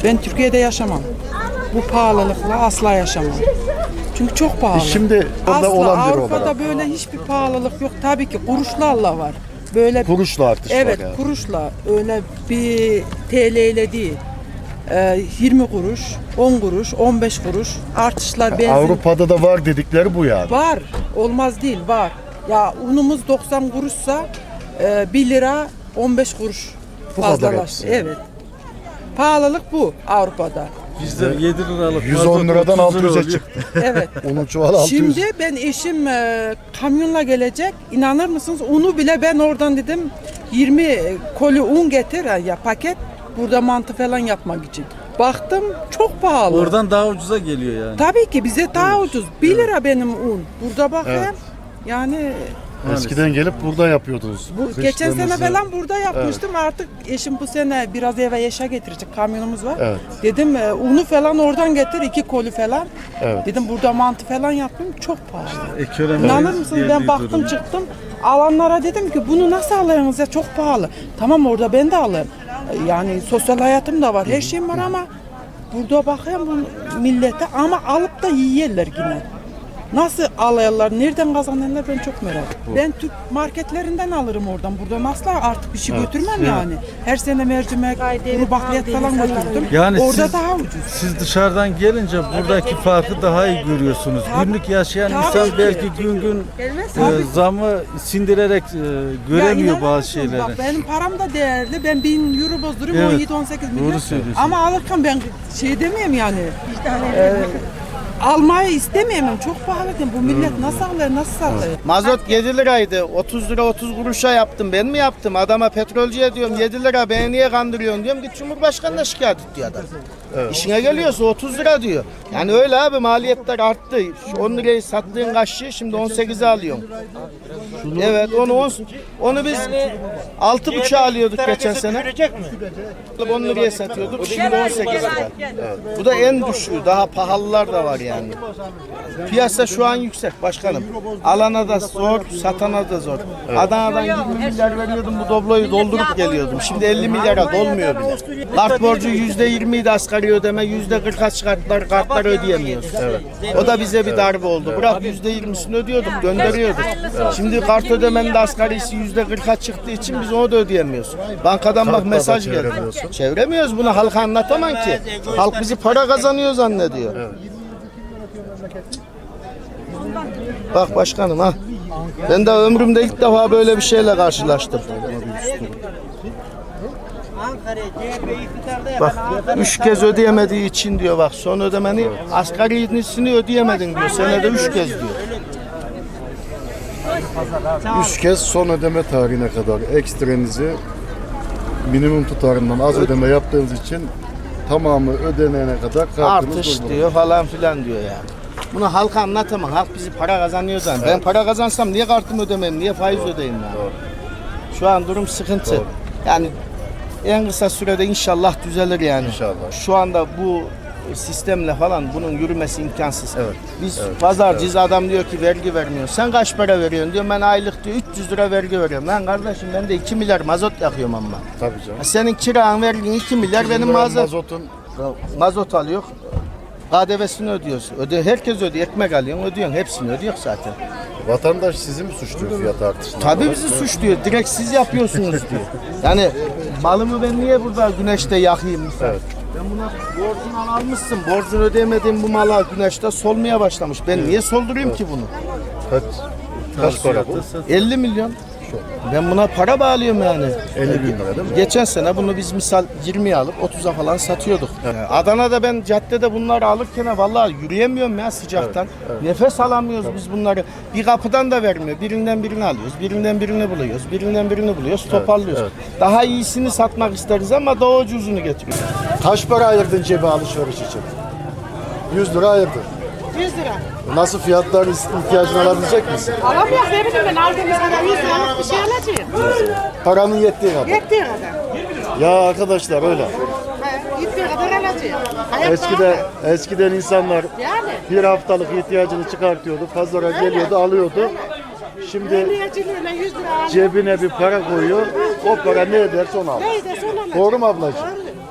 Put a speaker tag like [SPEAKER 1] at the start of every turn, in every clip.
[SPEAKER 1] Ben Türkiye'de yaşamam. Bu pahalılıkla asla yaşamam. Çünkü çok pahalı.
[SPEAKER 2] Şimdi orada
[SPEAKER 1] asla
[SPEAKER 2] olan biri
[SPEAKER 1] Avrupa'da
[SPEAKER 2] olarak.
[SPEAKER 1] böyle hiçbir pahalılık yok. Tabii ki kuruşlarla var. Böyle
[SPEAKER 2] Kuruşla artış
[SPEAKER 1] evet,
[SPEAKER 2] var yani.
[SPEAKER 1] kuruşla, öyle bir TL ile değil. 20 kuruş, 10 kuruş, 15 kuruş artışlar benzin.
[SPEAKER 2] Avrupa'da da var dedikleri bu yani.
[SPEAKER 1] Var. Olmaz değil, var. Ya unumuz 90 kuruşsa 1 lira 15 kuruş
[SPEAKER 2] Bu kadar
[SPEAKER 1] fazlalaştı.
[SPEAKER 2] hepsi.
[SPEAKER 1] Evet. Pahalılık bu Avrupa'da.
[SPEAKER 3] Bizde 7 liralık
[SPEAKER 2] 110 liradan
[SPEAKER 3] 30 lira
[SPEAKER 2] 600'e
[SPEAKER 3] oluyor.
[SPEAKER 2] çıktı.
[SPEAKER 1] Evet.
[SPEAKER 2] Onun çuvalı 600.
[SPEAKER 1] Şimdi ben eşim kamyonla gelecek. İnanır mısınız? Unu bile ben oradan dedim 20 koli un getir ya paket. Burada mantı falan yapmak için. Baktım çok pahalı.
[SPEAKER 3] Oradan daha ucuza geliyor yani.
[SPEAKER 1] Tabii ki bize daha ucuz. 1 lira benim un. Burada bakayım.
[SPEAKER 2] Evet.
[SPEAKER 1] Yani
[SPEAKER 2] Eskiden gelip burada yapıyordunuz.
[SPEAKER 1] bu geçen sene
[SPEAKER 2] Kışlarınızı.
[SPEAKER 1] falan burada yapmıştım. Artık eşim bu sene biraz eve yaşa getirecek, kamyonumuz var.
[SPEAKER 2] Evet.
[SPEAKER 1] Dedim unu falan oradan getir, 2 koli falan.
[SPEAKER 2] Evet.
[SPEAKER 1] Dedim burada mantı falan yapayım, çok pahalı.
[SPEAKER 3] Ekonomi
[SPEAKER 1] İnanır mısınız, ben
[SPEAKER 3] geldiği
[SPEAKER 1] baktım
[SPEAKER 3] durum.
[SPEAKER 1] çıktım. Alanlara dedim ki bunu nasıl alıyorsunuz ya, çok pahalı. Tamam, orada ben de alırım. Yani sosyal hayatım da var, her şeyim var ama burada bakıyorum bu millete, ama alıp da yiyorlar yine. Nasıl alıyorlar, nereden kazanıyorlar, ben çok merak ediyorum. Ben Türk marketlerinden alırım oradan. Buradan asla artık bir şey götürmem yani. Her sene mercimek, kuru bakliyat falan götürdüm.
[SPEAKER 3] Yani
[SPEAKER 1] orada
[SPEAKER 3] siz,
[SPEAKER 1] daha ucuz.
[SPEAKER 3] siz dışarıdan gelince buradaki farkı daha iyi görüyorsunuz.
[SPEAKER 1] Tabii.
[SPEAKER 3] Günlük yaşayan
[SPEAKER 1] Tabii
[SPEAKER 3] insan
[SPEAKER 1] ki.
[SPEAKER 3] belki gün gün
[SPEAKER 1] Tabii.
[SPEAKER 3] zamı sindirerek göremiyor
[SPEAKER 1] Ya
[SPEAKER 3] bazı
[SPEAKER 1] inanır mısın?
[SPEAKER 3] şeyleri.
[SPEAKER 1] Bak benim param da değerli. Ben 1000 euro bozduruyorum,
[SPEAKER 3] Evet.
[SPEAKER 1] 17-18 milyon.
[SPEAKER 3] Doğru söylüyorsun.
[SPEAKER 1] Ama alırken ben şey demeyeyim yani. Almayı istemeyemem. Çok pahalı değil. Bu millet nasıl alır, nasıl satıyor?
[SPEAKER 4] Mazot 7 liraydı. 30 lira 30 kuruşa yaptım. Ben mi yaptım? Adama petrolcüye diyorum 7 lira beni niye kandırıyorsun diyorum. Git Cumhurbaşkanı'na şikayet et diyor adam. İşine geliyorsa 30 lira diyor. Yani öyle abi, maliyetler arttı. Şu 10 lirayı sattığın kaşığı şimdi 18'e alıyorsun. Evet, onu biz 6,5'a alıyorduk geçen sene. 10 liraya satıyorduk. Şimdi 18 lira. Bu da en düşüğü. Daha pahalılar da var yani. Piyasa şu an yüksek başkanım. Alana da zor, satana da zor. Adana'dan 20 milyar veriyordum, bu dobloyu doldurup geliyordum. Şimdi 50 milyara dolmuyor bile. Kart borcu %20'ydi asgari ödeme, %40'a çıkarttılar, kartları ödeyemiyoruz. O da bize bir darbe oldu. Bırak %20'sini ödüyorduk, gönderiyorduk. Şimdi kart ödemenin de asgarisi %40'a çıktığı için biz onu da ödeyemiyoruz. Bankadan bak
[SPEAKER 2] Kartla da
[SPEAKER 4] mesaj geldi.
[SPEAKER 2] çeviremiyorsun.
[SPEAKER 4] Çeviremiyoruz, bunu halka anlatamam ki. Halk bizi para kazanıyor zannediyor. Bak başkanım ha. Ben de ömrümde ilk defa böyle bir şeyle karşılaştım. Bak 3 kez ödeyemediği için diyor, bak son ödemeni asgarisini ödeyemedin diyor. Senede 3 kez diyor.
[SPEAKER 2] 3 kez son ödeme tarihine kadar ekstrenizi minimum tutarından az ödeme yaptığınız için tamamı ödenene kadar kartınız
[SPEAKER 4] Artış
[SPEAKER 2] durdu.
[SPEAKER 4] diyor falan filan diyor yani. Bunu halka anlatamam. Halk bizi para kazanıyor zaten. Ben para kazansam niye kartımı ödemem, niye faiz ödeyeyim yani? Şu an durum sıkıntı.
[SPEAKER 2] Doğru.
[SPEAKER 4] Yani en kısa sürede inşallah düzelir yani.
[SPEAKER 2] İnşallah.
[SPEAKER 4] Şu anda bu sistemle falan bunun yürümesi imkansız.
[SPEAKER 2] Evet.
[SPEAKER 4] Biz pazarcıyız, adam diyor ki vergi vermiyor. Sen kaç para veriyorsun diyor. Ben aylık diyor 300 lira vergi veriyorum. Lan kardeşim ben de 2 milyar mazot yakıyorum ama.
[SPEAKER 2] Tabii canım.
[SPEAKER 4] Senin kiran vergin 2 milyar, benim
[SPEAKER 2] mazotun
[SPEAKER 4] mazot alıyor. KDV'sini ödüyorsun. Herkes ödüyor. Ekmek alıyorsun, ödüyorsun. Hepsini ödüyor zaten.
[SPEAKER 2] vatandaş sizi mi suçluyor fiyat artışına?
[SPEAKER 4] Tabii bizi suçluyor. Direkt siz yapıyorsunuz diyor. Yani malımı ben niye burada güneşte yakayım mesela?
[SPEAKER 2] Evet.
[SPEAKER 4] Ben buna borcunu almışsın. Borcunu ödemediğim bu mala güneşte solmaya başlamış. Ben niye soldurayım ki bunu?
[SPEAKER 2] Kaç para bu?
[SPEAKER 4] 50 milyon. Ben buna para bağlıyorum yani.
[SPEAKER 2] 50 bin lira değil mi?
[SPEAKER 4] Geçen sene bunu biz misal 20'ye alıp 30'a falan satıyorduk. Adana'da ben caddede bunları alırken vallahi yürüyemiyorum ya sıcaktan. Nefes alamıyoruz biz bunları. Bir kapıdan da vermiyor. Birinden birini alıyoruz. Birinden birini buluyoruz. Birinden birini buluyoruz. Toparlıyoruz. Daha iyisini satmak isteriz ama daha ucuzunu getiriyoruz.
[SPEAKER 2] Kaç para ayırdın cebe alışveriş için? 100 lira ayırdın.
[SPEAKER 5] 100 lira.
[SPEAKER 2] Nasıl fiyatların ihtiyacını alabilecek misin?
[SPEAKER 5] Alamıyor, ne bileyim ben aldığımız kadar 100 liralık bir şey alacağım.
[SPEAKER 2] Paranın yettiği kadar.
[SPEAKER 5] Yettiği kadar.
[SPEAKER 2] Ya arkadaşlar öyle.
[SPEAKER 5] Yettiği kadar alacağım. Hayat
[SPEAKER 2] Eskiden insanlar
[SPEAKER 5] yani.
[SPEAKER 2] bir haftalık ihtiyacını çıkartıyordu, pazara geliyordu, alıyordu. Şimdi
[SPEAKER 5] Emniyetçiliğine 100 lira alıyor.
[SPEAKER 2] cebine bir para koyuyor, o para ne ederse onu alıyor.
[SPEAKER 5] Neyse sonra alacağım.
[SPEAKER 2] Doğru mu ablacığım?
[SPEAKER 5] Doğru.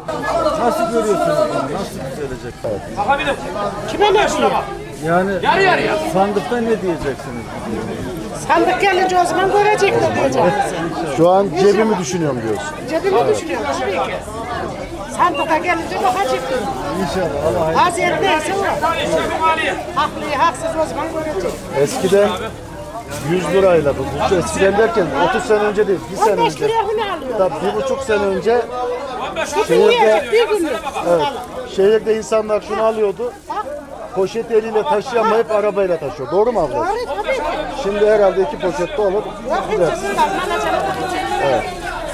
[SPEAKER 3] Nasıl görüyorsunuz bunu? Nasıl düzelecek?
[SPEAKER 5] Kime ne diyor?
[SPEAKER 3] Yani sandıkta ne diyeceksiniz?
[SPEAKER 5] Sandık gelince o zaman görecekler diyeceğim.
[SPEAKER 2] Şu an cebimi düşünüyorum diyorsun.
[SPEAKER 5] Cebimi düşünüyorum tabii ki. Sandığa gelince bakacaktır.
[SPEAKER 3] İnşallah Allah hayırlı.
[SPEAKER 5] Hazır neyse o. Haklı haksız o zaman görecek.
[SPEAKER 2] Eskiden 100 lirayla bu eskiden derken 30 sene önce değil, bir sene
[SPEAKER 5] 15
[SPEAKER 2] önce.
[SPEAKER 5] liraya bunu alıyor.
[SPEAKER 2] Tabii 1,5 sene önce
[SPEAKER 5] Bütün yiyecek bir günlük.
[SPEAKER 2] evet, şehirde insanlar şunu alıyordu. Poşet eliyle taşıyamayıp arabayla taşıyor. Doğru mu abla?
[SPEAKER 5] Doğru tabii ki.
[SPEAKER 2] Şimdi herhalde 2 poşette olur.
[SPEAKER 5] Yok hiç
[SPEAKER 2] gider.
[SPEAKER 5] bunlar. Bana canım bakacak.
[SPEAKER 2] Evet.